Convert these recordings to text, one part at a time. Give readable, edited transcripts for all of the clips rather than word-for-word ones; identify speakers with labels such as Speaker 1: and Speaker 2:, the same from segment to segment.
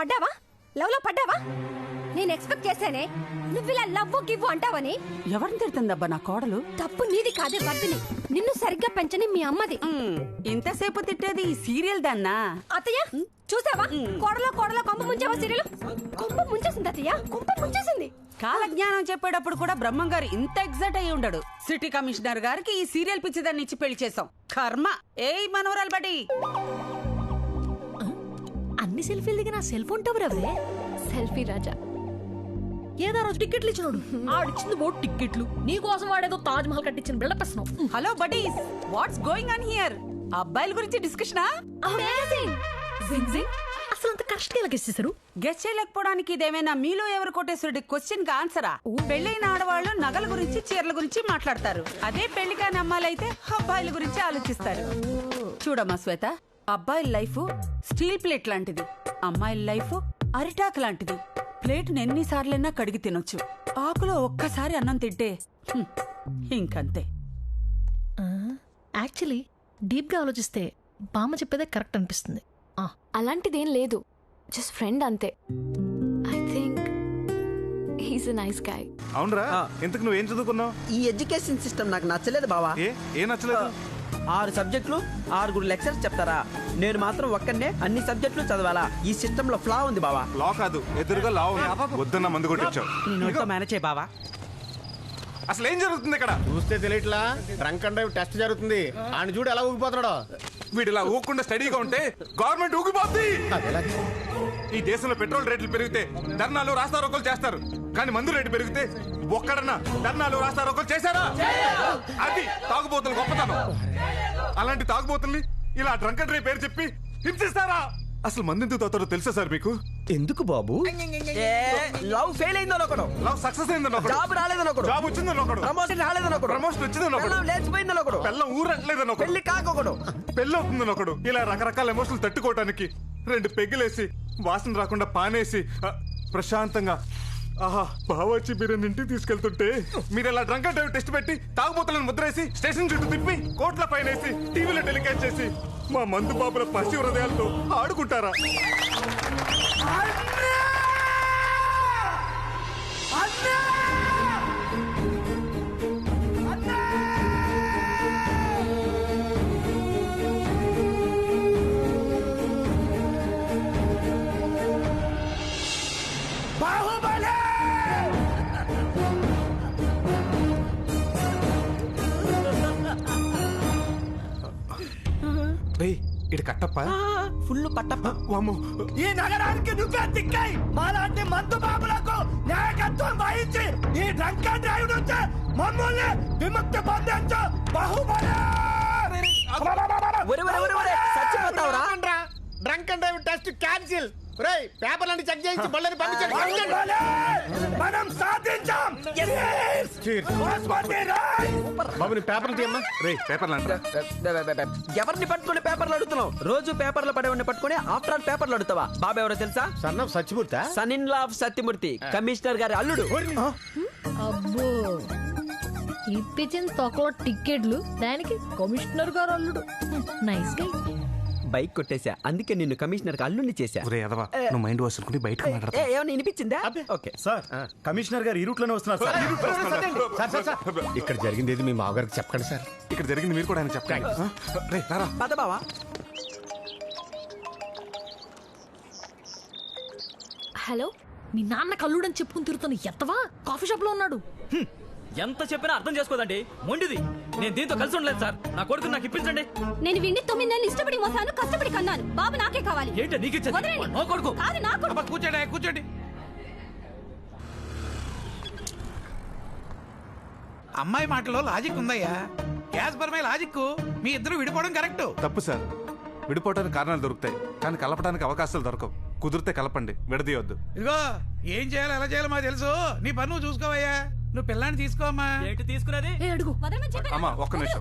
Speaker 1: పడ్డావా? లవ్ లో పడ్డావా? నేను ఎక్స్పెక్ట్ చేశానే నువ్వు ఇలా లవ్ గివ్వు అంటావని.
Speaker 2: ఎవరిని తిడుతుందబ్బా నా కోడలు?
Speaker 1: తప్పు నీది కాదే వర్దిని, నిన్ను సరిగ్గా పెంచని మీ అమ్మది.
Speaker 2: ఇంతసేపు తిట్టేది ఈ సీరియల్ దాన్నా?
Speaker 1: అత్తయ్య చూసావా, కోడలో కొంప ముంచావా? సీరియల్ కొంప ముంచేసింది అత్తయ్య, కొంప ముంచేసింది.
Speaker 2: కాలజ్ఞానం చెప్పేటప్పుడు కూడా బ్రహ్మం గారు ఇంత ఎగ్జైట్ అయ్యి ఉండడు. సిటీ కమిషనర్ గారికి ఈ సీరియల్ పిచ్చిదాన్ని ఇచ్చి పెళ్లి చేసాం. కర్మ. ఏయ్ మనవరాలు బడి,
Speaker 3: అన్ని సెల్ఫీలు దిగి నా సెల్ ఫోన్ టవర్ ఎవరే?
Speaker 1: సెల్ఫీ రాజా.
Speaker 3: ఏదో రోజు టికెట్లు ఇచ్చినాడు, ఆడిచ్చింది బోట్ టికెట్లు. నీ కోసం వాడేదో తాజ్ మహల్ కట్టించిన బిల్డప్ ఇస్తున్నావు.
Speaker 2: Hello buddies, what's going on here? అబ్బాయిల గురించి డిస్కషనా?
Speaker 3: అసలు అంత కరెక్ట్ గా ఇచ్చేసారు.
Speaker 2: గెస్ చేయలేకపోవడానికి ఇదేమైనా మీలో ఎవరు కోటేశ్వరుడి క్వశ్చన్ కి ఆన్సరా? పెళ్లైన ఆడవాళ్ళు నగల గురించి చీరల గురించి మాట్లాడతారు. అదే పెళ్లి కాని అమ్మాయిలైతే అబ్బాయిల గురించి ఆలోచిస్తారు. చూడమ్మా శ్వేత, అబ్బాయిల లైఫ్ స్టీల్ ప్లేట్ లాంటిది, అమ్మాయిల లైఫ్ అరిటాకు లాంటిది. ప్లేట్ను ఎన్నిసార్లైనా కడిగి తినొచ్చు, ఆకులో ఒక్కసారి అన్నం తింటే ఇంకంతే.
Speaker 3: యాక్చువల్లీ డీప్ గా ఆలోచిస్తే బామ్మ చెప్పేదే కరెక్ట్ అనిపిస్తుంది.
Speaker 4: అలాంటిదేం లేదు, జస్ట్ ఫ్రెండ్ అంతే. I think he's a nice guy.
Speaker 5: అవునరా, ఇంతకు నువ్వేం చదువుకున్నావు?
Speaker 6: ఈ ఎడ్యుకేషన్ సిస్టమ్ నాకు నచ్చలేదు బావా.
Speaker 5: ఏ నచ్చలేదు? 6
Speaker 6: సబ్జెక్టులు 6 లెక్చర్స్ చెప్తారా? నేను మాత్రం ఒక్కనే అన్ని సబ్జెక్టులు చదవాలా? ఈ సిస్టమ్ లో ఫ్లా ఉంది బావా.
Speaker 5: లా కాదు, ఎదురుగా లా ఉంది. వద్దన్న మందు కొట్టించావు.
Speaker 6: మేనేజ్ చేయి బావా.
Speaker 5: అసలు ఏం జరుగుతుంది ఇక్కడ?
Speaker 7: చూస్తే తెలియట్లా, డ్రంక్ అండ్ డ్రైవ్ టెస్ట్ జరుగుతుంది. ఆయన చూడు ఎలా ఊగిపోతున్నాడో.
Speaker 5: వీడు ఇలా ఊగకుండా స్టడీగా ఉంటే గవర్నమెంట్ ఊగిపోద్ది. ఈ దేశంలో పెట్రోల్ రేట్లు పెరిగితే ధర్నాలు రాస్తారోకోలు చేస్తారు, కానీ మందు రేటు పెరిగితే ఒక్కడన్నా ధర్నాలు రాస్తారోకోలు చేశారా? అది తాగుబోతులు గొప్పతనం. అలాంటి తాగుబోతుల్ని ఇలా డ్రంక్ అండ్ డ్రైవ్ పేరు చెప్పి హింసిస్తారా? అసలు మందు ఎందుకు తాగుతారో తెలుసా సార్ మీకు?
Speaker 7: ఎందుకు బాబు?
Speaker 6: లవ్ ఫెయిల్ అయిందని ఒకడు,
Speaker 5: లవ్ సక్సెస్ అయిందని ఒకడు,
Speaker 6: జాబ్ రాలేదని ఒకడు,
Speaker 5: జాబ్ వచ్చిందని ఒకడు,
Speaker 6: ప్రమోషన్ రాలేదని ఒకడు,
Speaker 5: ప్రమోషన్ వచ్చిందని ఒకడు,
Speaker 6: లేచిపోయిందని ఒకడు,
Speaker 5: పెళ్ళం ఊరట్లేదని ఒకడు,
Speaker 6: పెళ్లి కాకొకడు,
Speaker 5: పెళ్ళి అవుతుందని ఒకడు. ఇలా రకరకాల ఎమోషన్లు తట్టుకోవటానికి 2 పెగ్గులేసి వాసన రాకుండా పానేసి ప్రశాంతంగా బావచ్చి బిర్యానీ ఇంటికి తీసుకెళ్తుంటే మీరు ఇలా డ్రంక్ అండ్ డ్రైవ్ టెస్ట్ పెట్టి తాగుబోతులను ముద్రేసి స్టేషన్ చుట్టూ తిప్పి కోట్ల పైనేసి టీవీలో టెలికాస్ట్ చేసి మా మందు బాబుల పసి హృదయాలతో ఆడుకుంటారా? ఇటు కట్టప్ప,
Speaker 6: ఫుల్ పట్టప్ప.
Speaker 8: ఈ నగరానికి నువ్వే దిక్కై మాలాంటి మందు బాబులకు నాయకత్వం వహించి ఈ డ్రంక్ అండ్ డ్రైవ్ నుంచి మమ్మల్ని విముక్తి పొందించు బాహుబలి.
Speaker 6: చచ్చిపోతావురా?
Speaker 7: Drunk and drive test cancel. పేపర్లన్నీ చెక్ చేయించి బళ్ళని పంపించండి.
Speaker 8: మనం సాధించాం.
Speaker 7: బాబు నీ పేపర్లు తీయమ్మా.
Speaker 5: పేపర్లు అంటారా?
Speaker 6: ఎవరిని పట్టుకుని పేపర్లు అడుగుతున్నావు? రోజు పేపర్లు పడేవాడిని పట్టుకుని ఆఫ్టర్ ఆల్ పేపర్లు అడుగుతావా? బాబు ఎవరో తెలుసా?
Speaker 7: Son of Satyamurthy,
Speaker 6: son in law of Satyamurthy, commissioner గారి అల్లుడు.
Speaker 3: అబ్బో, ఇప్పించిన తొక్కలో టికెట్లు, దానికి కమిషనర్ గారు అల్లుడు. నైస్ గా.
Speaker 6: బైక్ కొట్టేశా, అందుకే నిన్ను కమిషనర్ అల్లుడిని చేశా.
Speaker 5: నువ్వు మైండ్ వాష్ అనుకుని బయటకు మాట్లాడతా.
Speaker 6: ఏమన్నా వినిపించిందా? ఓకే
Speaker 7: సార్, కమిషనర్ గారు ఈ రూట్ లోనే వస్తున్నారు సార్. ఇక్కడ జరిగింది ఏది మీ మామగారికి చెప్పండి సార్.
Speaker 5: ఇక్కడ జరిగింది మీరు కూడా ఆయన చెప్పండి.
Speaker 6: పద బావా.
Speaker 4: హలో,
Speaker 3: మీ నాన్న కల్లుడని చెప్పుకుని తిరుగుతున్న ఎత్తవా కాఫీ షాప్ లో ఉన్నాడు.
Speaker 9: ఎంత చెప్పినా అర్థం చేసుకోదండి, మొండిది. నేను దీంతో కలిసి ఉండలేదు సార్, నా కొడుకు నాకు ఇప్పించండి.
Speaker 1: నేను విండి 9 నెలలు ఇష్టపడి మోసాను, కష్టపడి కన్నాను. బాబు నాకే కావాలి.
Speaker 9: ఏంటి నీకు ఇచ్చేది? నా కొడుకు
Speaker 1: కాదు, నా కొడుకు.
Speaker 9: కూర్చోండి.
Speaker 10: అమ్మాయి మాటలో లాజిక్ ఉందయ్యా. గ్యాస్ పరమే లాజిక్. మీ ఇద్దరు విడిపోవడం కరెక్ట్.
Speaker 5: తప్పు సార్, విడిపోవడానికి కారణాలు దొరుకుతాయి, కానీ కలపడానికి అవకాశాలు దొరకవు. కుదిరితే కలపండి, విడదీయొద్దు.
Speaker 10: ఇదిగో, ఏం చేయాలో ఎలా చేయాలో మాకు తెలుసు. నీ పని నువ్వు చూసుకోవయ్యా. నువ్వు పిల్లాన్ని తీసుకోమ్మా.
Speaker 9: ఏంటి తీసుకునేది?
Speaker 3: అడుగు.
Speaker 5: అమ్మా ఒక్క నిమిషం.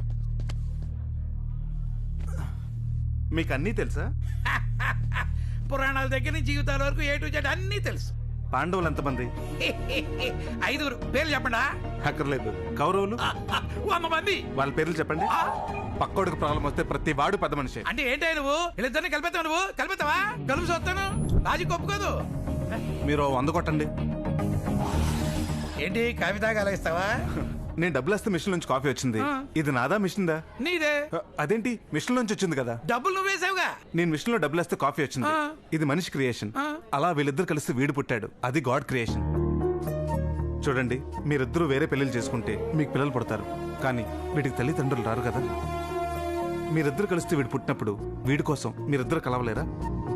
Speaker 5: మీకు అన్నీ తెలుసా?
Speaker 10: పురాణాల దగ్గర నుంచి జీవితాల వరకు ఏ టు జెడ్ అన్నీ తెలుసు.
Speaker 5: పాండవులు ఎంతమంది?
Speaker 10: 5 పేర్లు చెప్పండా?
Speaker 5: అక్కర్లేదు. కౌరవులు
Speaker 10: 100 మంది.
Speaker 5: వాళ్ళ పేర్లు చెప్పండి. పక్కోడికి ప్రాబ్లం వస్తే ప్రతి వాడు పెద్ద మనిషి.
Speaker 10: అంటే ఏంటి నువ్వు వీళ్ళిద్దరిని కలిపేస్తావు? నువ్వు కలిపేస్తావా? కలుపు చూస్తాను. లాజిక్ ఒప్పుకోదు.
Speaker 5: మీరు 100 కొట్టండి.
Speaker 10: ఏంటి కాఫీ తాగా అలా ఇస్తావా?
Speaker 5: నేను డబ్బులు వస్తే మిషన్ నుంచి కాఫీ వచ్చింది. ఇది నాదా మిషన్దా?
Speaker 10: నీదే.
Speaker 5: అదేంటి మిషన్ నుంచి వచ్చింది కదా?
Speaker 10: డబ్బులు నువ్వేసావుగా.
Speaker 5: నేను మిషన్ లో డబ్బులు వస్తే కాఫీ వచ్చింది. ఇది మనిషి క్రియేషన్. అలా వీళ్ళిద్దరు కలిసి వీడు పుట్టాడు. అది గాడ్ క్రియేషన్. చూడండి, మీరిద్దరూ వేరే పెళ్లిళ్ళు చేసుకుంటే మీకు పిల్లలు పుడతారు, కానీ వీడికి తల్లిదండ్రులు రారు కదా. మీరిద్దరు కలిస్తే వీడు పుట్టినప్పుడు వీడి కోసం మీరిద్దరు కలవలేరా?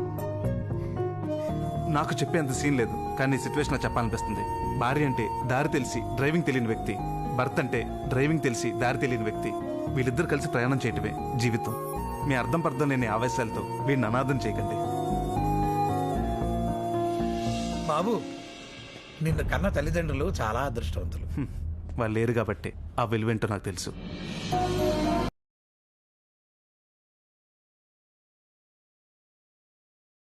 Speaker 5: నాకు చెప్పేంత సీన్ లేదు, కానీ ఈ సిచ్యువేషన్ చెప్పాలనిపిస్తుంది. భార్య అంటే దారి తెలిసి డ్రైవింగ్ తెలియని వ్యక్తి, భర్త అంటే డ్రైవింగ్ తెలిసి దారి తెలియని వ్యక్తి. వీళ్ళిద్దరు కలిసి ప్రయాణం చేయటమే జీవితం. మీ అర్థం పర్థం లేని ఆవేశాలతో వీడిని అనాథం చేయకండి.
Speaker 10: బాబు, నిన్ను కన్న తల్లిదండ్రులు చాలా అదృష్టవంతులు.
Speaker 5: వాళ్ళు లేరు కాబట్టి ఆ విలువేంటో నాకు తెలుసు.